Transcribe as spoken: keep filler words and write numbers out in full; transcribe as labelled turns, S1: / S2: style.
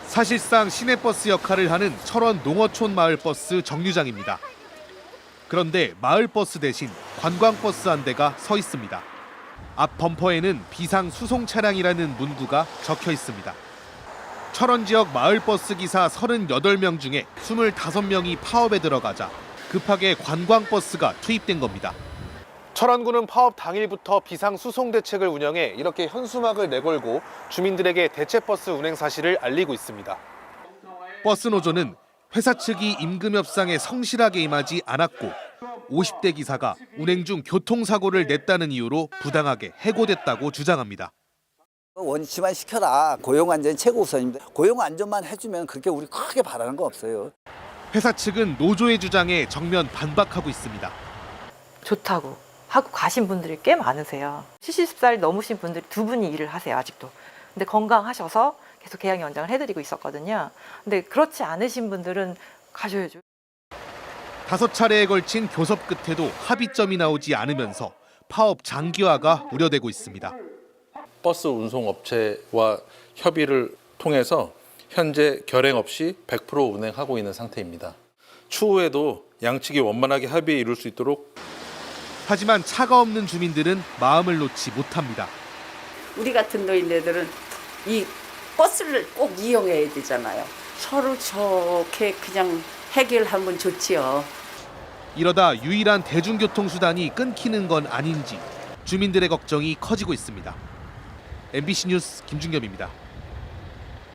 S1: 사실상 시내버스 역할을 하는 철원 농어촌 마을버스 정류장입니다. 그런데 마을버스 대신 관광버스 한 대가 서 있습니다. 앞 범퍼에는 비상 수송 차량이라는 문구가 적혀 있습니다. 철원 지역 마을버스 기사 서른여덟 명 중에 스물다섯 명이 파업에 들어가자 급하게 관광버스가 투입된 겁니다. 철원구는 파업 당일부터 비상 수송 대책을 운영해 이렇게 현수막을 내걸고 주민들에게 대체버스 운행 사실을 알리고 있습니다. 버스 노조는 회사 측이 임금 협상에 성실하게 임하지 않았고 오십 대 기사가 운행 중 교통사고를 냈다는 이유로 부당하게 해고됐다고 주장합니다.
S2: 원치만 시켜라. 고용안전이 최고 우선입니다. 고용안전만 해주면 그렇게 우리 크게 바라는 거 없어요.
S1: 회사 측은 노조의 주장에 정면 반박하고 있습니다.
S3: 좋다고 하고 가신 분들이 꽤 많으세요. 칠십 살 넘으신 분들이 두 분이 일을 하세요, 아직도. 근데 건강하셔서 계속 계약 연장을 해드리고 있었거든요. 근데 그렇지 않으신 분들은 가셔야죠.
S1: 다섯 차례에 걸친 교섭 끝에도 합의점이 나오지 않으면서 파업 장기화가 우려되고 있습니다.
S4: 버스 운송업체와 협의를 통해서 현재 결행 없이 백 퍼센트 운행하고 있는 상태입니다. 추후에도 양측이 원만하게 합의에 이룰 수 있도록.
S1: 하지만 차가 없는 주민들은 마음을 놓지 못합니다.
S5: 우리 같은 노인네들은 이 버스를 꼭 이용해야 되잖아요. 서로 좋게 그냥 해결하면 좋지요.
S1: 이러다 유일한 대중교통수단이 끊기는 건 아닌지 주민들의 걱정이 커지고 있습니다. 엠비씨 뉴스 김준겸입니다.